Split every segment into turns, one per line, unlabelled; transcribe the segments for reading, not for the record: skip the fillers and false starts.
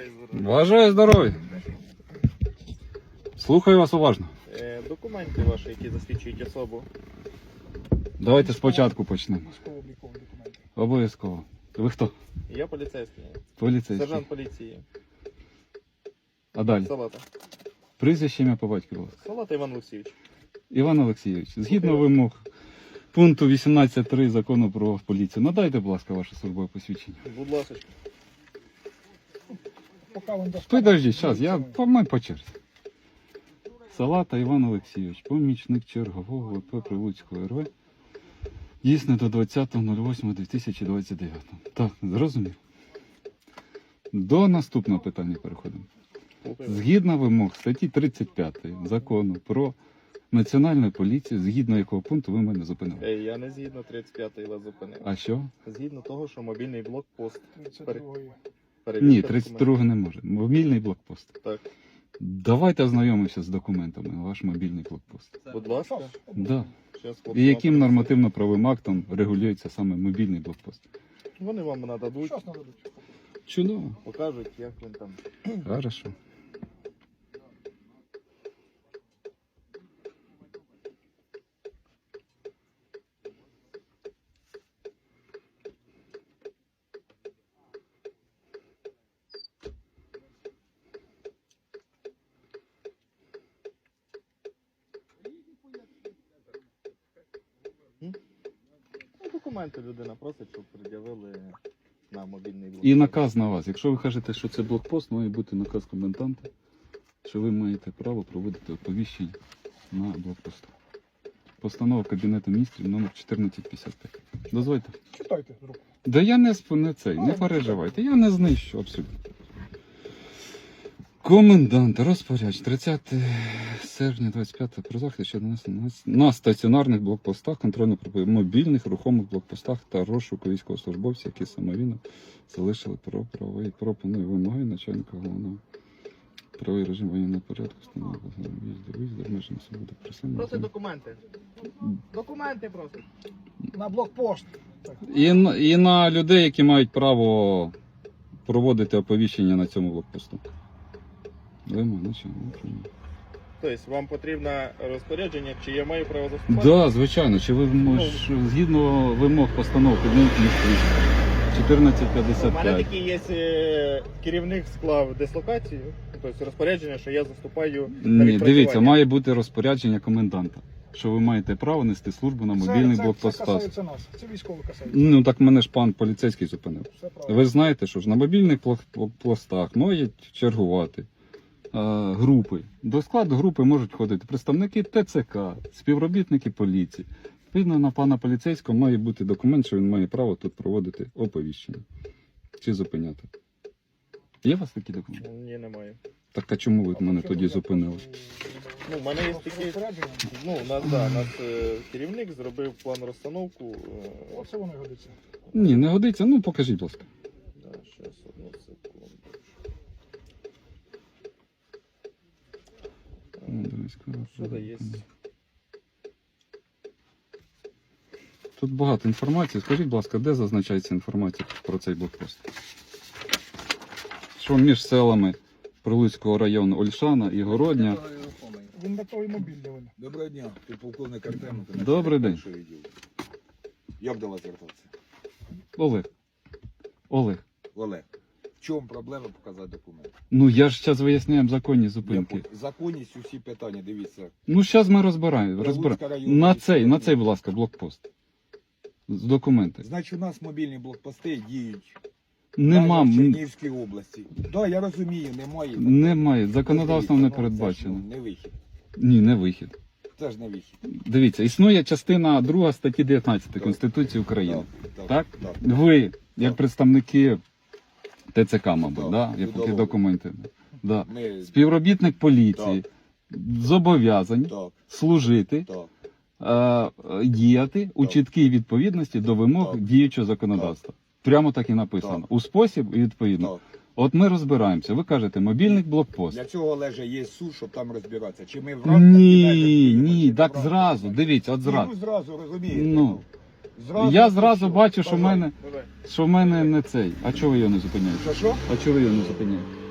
Бажаю здоров'я. Слухаю вас уважно.
Документи ваші, які засвідчують особу.
Давайте спочатку почнемо.
Військово-облікові документи.
Обов'язково. Ви хто?
Я поліцейський.
Поліцейський.
Сержант поліції.
А далі?
Салата.
Прізвище, ім'я по батькові, будь ласка.
Салата Іван Олексійович.
Іван Олексійович, згідно вимог пункту 18.3 закону про поліцію, надайте, будь ласка, ваше службове посвідчення.
Будь ласка.
Поки він достане.
Підождіть, зараз, я по черзі. Салата Іван Олексійович, помічник чергового ВП Прилуцького РВ. Дійсно до 20.08.2029. Так, зрозумів. До наступного питання переходимо. Згідно вимог статті 35 закону про національну поліцію, згідно якого пункту ви мене зупинили.
Я не згідно 35-ї вас зупинив.
А що?
Згідно того, що мобільний блокпост.
32-ї.
Ні, 32 не може. Мобільний блокпост.
Так.
Давайте ознайомимося з документами, ваш мобільний блокпост.
Будь ласка.
Да.
Щас
І яким нормативно-правовим актом регулюється саме мобільний блокпост?
Вони вам нададуть,
Щас нададуть.
Чудово.
покажуть, як він там.
Хорошо.
Ну, документи людина просить, щоб пред'явили на мобільний блокпост.
І наказ на вас. Якщо ви кажете, що це блокпост, має бути наказ коменданта, що ви маєте право проводити оповіщення на блокпосту. Постанова Кабінету міністрів номер 1455. Дозвольте.
Читайте з руку.
Да я не цей, не переживайте, я не знищу абсолютно. Комендант, розпорядч, 30 серпня 25 про захист щодо на стаціонарних блокпостах, контрольно-мобільних рухомих блокпостах та розшуку військовослужбовців, які самовільно залишили про правовий пропоную вимоги начальника головного правовий режим воєнного порядку, встановлення виїзду, обмеження свободи
Просить
присутності.
документи. Документи просить.
На блокпост. Так.
І на людей, які мають право проводити оповіщення на цьому блокпосту. Вимоги начальника.
Тобто вам потрібно розпорядження, чи я маю право заступати?
Да, звичайно. Чи ви згідно вимог постанов Кабінету міністрів
У мене
1455.
такий є керівник склав дислокацію, тобто розпорядження, що я заступаю на
Ні,
відпрацювання.
дивіться, має бути розпорядження коменданта, що ви маєте право нести службу на мобільних
Це
блокпостах.
касається нас. Це військово касається.
Ну так мене ж пан поліцейський зупинив.
Все правильно.
Ви знаєте, що ж на мобільних блокпостах можуть чергувати групи. До складу групи можуть входити представники ТЦК, співробітники поліції. Відповідно, на пана поліцейського має бути документ, що він має право тут проводити оповіщення. Чи зупиняти. Є у вас такі документи?
Ні, немає.
Так а чому ви мене тоді зупинили?
Ну, в мене є такі, ну, у нас керівник зробив план розстановку.
Оце воно і годиться.
Ні, не годиться. Ну покажіть, будь ласка.
Да, щас, одну секунду. Що це є?
Тут багато інформації. Скажіть, будь ласка, де зазначається інформація про цей блокпост? Що між селами Прилуцького району Ольшана і Городня.
Він на той мобільний він.
Доброго дня, ти полковник Артем.
Добрий день.
Як до вас звертатися?
Олег. Олег.
Олег, в чому проблема показати документи?
Ну я ж зараз виясняємо законні зупинки.
Законність усі питання, дивіться.
Ну зараз ми розбираємо.
Прилуцька районна
На
адміністрація.
цей, будь ласка, блокпост. З документи.
Значить, у нас мобільні блокпости діють
Нема.
в Чернігівській області. Так, да, я розумію, немає.
Немає. Законодавством не
Це ж,
передбачено.
не вихід.
Ні, не вихід.
Це ж не вихід.
Дивіться, існує частина 2 статті 19 Конституції України. Так?
так.
Ви, як представники ТЦК, мабуть,
Так,
да? Які
судового.
документи. Да.
Ми...
Співробітник поліції зобов'язані
Так,
служити,
так.
діяти у чіткій відповідності до вимог
Так.
діючого законодавства. Прямо так і написано.
Так.
У спосіб і відповідно.
Так.
От ми розбираємося. Ви кажете, мобільний блокпост.
Для цього, Олеже, є суд, щоб там розбиратися. Чи ми в рамках
Ні,
кабінету
ні,
будемо,
так
чи в
зразу.
рамках?
Дивіться, от зразу.
Ну, зразу, розумієте.
Ну.
Зразу,
Я
ну,
зразу
що?
бачу, що в
Бажаю.
мене,
Давай.
що в мене не цей. А чого ви його не зупиняєте?
Що?
А чого ви його не зупиняєте?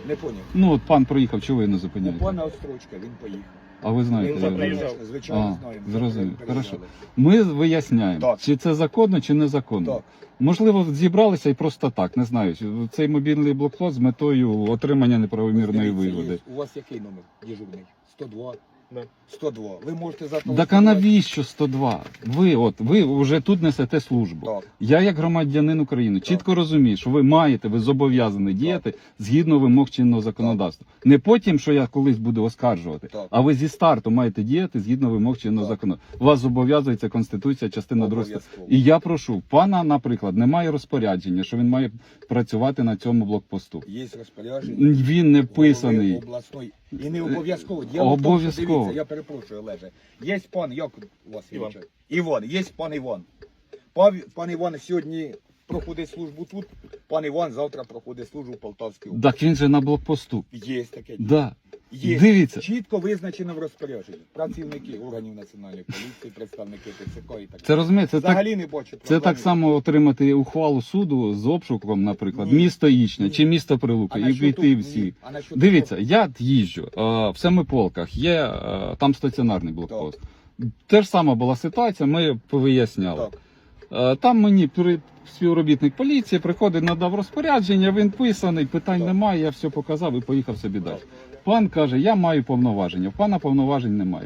Не поняв.
Ну, от пан проїхав, чого ви не
У
зупиняєте?
пана Острочка він поїхав.
А ви знаєте,
Він
де
вже
він?
приїжджав.
Звичайно,
А,
знаємо.
зрозумів.
Переїжджали.
Хорошо. Ми виясняємо,
Так.
чи це законно, чи незаконно.
Так.
Можливо, зібралися і просто так, не знаю. Цей мобільний блокпост з метою отримання неправомірної
Дивіться,
вигоди.
є. У вас який номер дежурний? 102?
Да.
102. Ви можете
Так а
зателефонувати.
навіщо 102? Ви вже тут несете службу.
Так.
Я, як громадянин України, чітко розумію, що ви маєте, ви зобов'язані діяти згідно вимог чинного законодавства. Не потім, що я колись буду оскаржувати,
Так.
а ви зі старту маєте діяти згідно вимог чинного
Так.
законодавства. Вас зобов'язується Конституція, частина 2.
Обов'язково.
І я прошу, пана, наприклад, немає розпорядження, що він має працювати на цьому блокпосту.
Є розпорядження.
Він не
голови
вписаний.
обласної. І не обов'язково. Діло в тому, що,
Обов'язково.
дивіться, я перепрошую, Олеже. Є пан, як у вас
Іван.
віче? Іван, є пан Іван. Пан Іван сьогодні проходить службу тут, пан Іван завтра проходить службу в Полтавській області.
Так він же на блокпосту.
Є таке діло.
Да.
Є.
Дивіться.
Чітко визначено в розпорядженні. Працівники органів національної поліції, представники ТЦК і так
Це
далі.
розумієте, це так.
Взагалі не бачу
Це
проблеми.
так само отримати ухвалу суду з обшуком, наприклад,
Ні.
місто Ічня
Ні.
чи місто Прилука, і піти всі. Дивіться, я їжджу в Семиполках, є там стаціонарний блокпост. Те ж сама була ситуація, ми повиясняли.
Так.
Там мені співробітник поліції приходить, надав розпорядження, він писаний, питань
Так.
немає, я все показав і поїхав собі далі. Пан каже, я маю повноваження, в пана повноважень немає.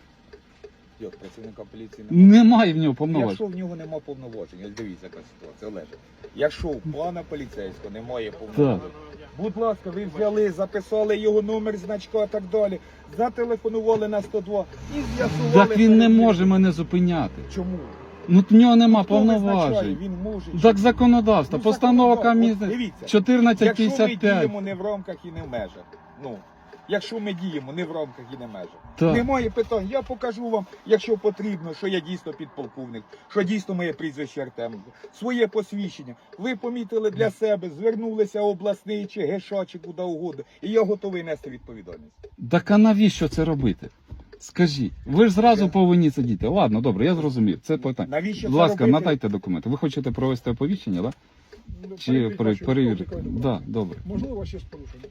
Як працівника поліції немає?
Немає в нього повноважень.
Якщо в нього немає повноважень, ось дивіться, яка ситуація, Олеже. Якщо у пана поліцейського немає повноважень, будь ласка, ви взяли, записали його номер, значка і так далі, зателефонували на 102 і з'ясували.
Так він не
перед ним.
може мене зупиняти.
Чому?
Ну в нього нема
Хто визначає,
повноважень.
Він може. чи
Так
ні?
законодавство,
Ну,
постанова
законодавство.
комісії
Дивіться, якщо ми
1455.
діємо не в рамках і не в межах, якщо ми діємо не в рамках і не в межах,
Так.
немає питань. Я покажу вам, якщо потрібно, що я дійсно підполковник, що дійсно моє прізвище Артем, своє посвідчення. Ви помітили для себе, звернулися обласний чи ГШ, чи куди угодно, і я готовий нести відповідальність.
Так а навіщо це робити? Скажіть, ви ж зразу повинні сидіти. Ладно, добре, я зрозумів. Це питання.
Навіщо
Будь
це
ласка,
робити?
надайте документи. Ви хочете провести оповіщення, так? Да? Чи перевірити? Да, добре.
Можливо, ще з порушенням.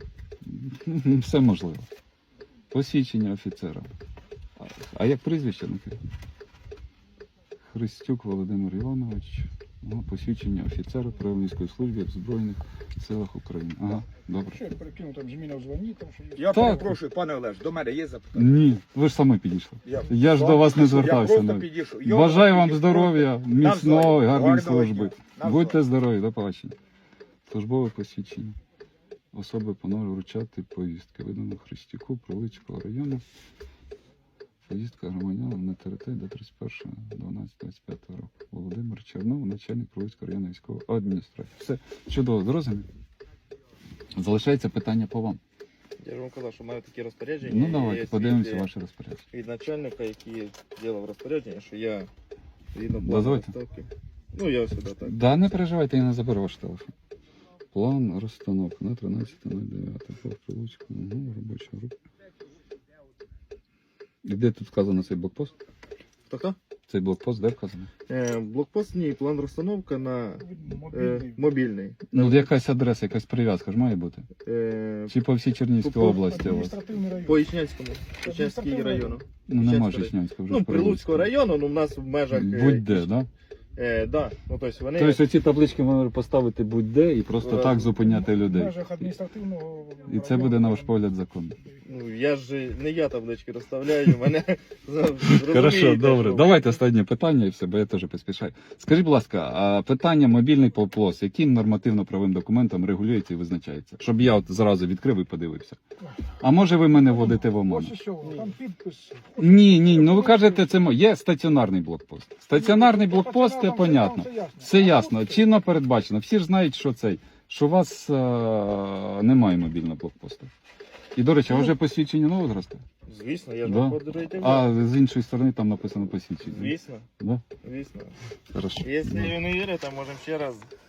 Все можливо. Посвідчення офіцера. А як прізвище? Христюк Володимир Іванович. Посвідчення офіцера Правильницької служби в Збройних силах України. Ага, добре.
Ще перекину там зміна в званні, там що є.
Я
Так.
перепрошую, пане Олеж, до мене є запитання?
Ні, ви ж самі підійшли. Я ж до вас не звертався.
Я просто
навіть.
підійшов. Я
Бажаю вам
підійшов.
здоров'я, міцної,
Навзаєм.
гарної
Гарного
служби.
дня. Навзаєм.
Будьте здорові, до побачення. Службове посвідчення. Особи панове вручати повістки. Видано Христюку, Прилуцького району. Поїздка громадянам на території до 31.12.25 року. Володимир Чернов, начальник Прилуцького районної військової адміністрації. Все чудово, зрозумів. Залишається питання по вам.
Я ж вам казав, що маю такі розпорядження.
Ну
і
давайте,
є
подивимося
від,
ваше розпорядження.
від начальника, який ділав розпорядження, що я згідно плану
Дозвольте.
розставки. Ну, я сюди так.
Да, не переживайте, я не заберу ваш телефон. План розстановки на 13.09. По Прилуцькому, робоча група. І де тут вказано цей блокпост?
Хто?
Цей блокпост де вказано?
Блокпост, ні, план розстановка на
Мобільний.
мобільний.
Ну, якась адреса, якась прив'язка ж має бути. Чи по всій Чернігівській
По-
області у вас?
Адміністративний район.
По Ічнянському. Ічнянський району.
Ну, нема
Ічнянський
Жичнянського вже.
Ну,
ж
Прилуцького району, ну, в нас в межах...
Будь-де, да?
Да, ну, тобто вони...
Тобто оці таблички можна поставити будь-де і просто так зупиняти
В
людей.
межах адміністративного
І це буде, на ваш погляд, законно.
Ну, я ж не я таблички розставляю, мене...
Хорошо, добре. Давайте останнє питання і все, бо я теж поспішаю. Скажіть, будь ласка, а питання мобільний блокпост, яким нормативно-правовим документом регулюється і визначається? Щоб я от зразу відкрив і подивився. А може ви мене вводите в оману?
Ось і що, там підпис.
Ні, ну ви кажете, це є стаціонарний блокпост. Стаціонарний блокпост, це понятно. Все ясно, чинно передбачено. Всі ж знають, що у вас немає мобільного блокпосту. І, до речі, а вже посвідчення нового зросту?
Звісно, я ж
Да.
вам подаруйте.
А з іншої сторони там написано посвідчення.
Звісно,
Да?
звісно.
Хорошо.
Якщо ви не вірите, можемо ще раз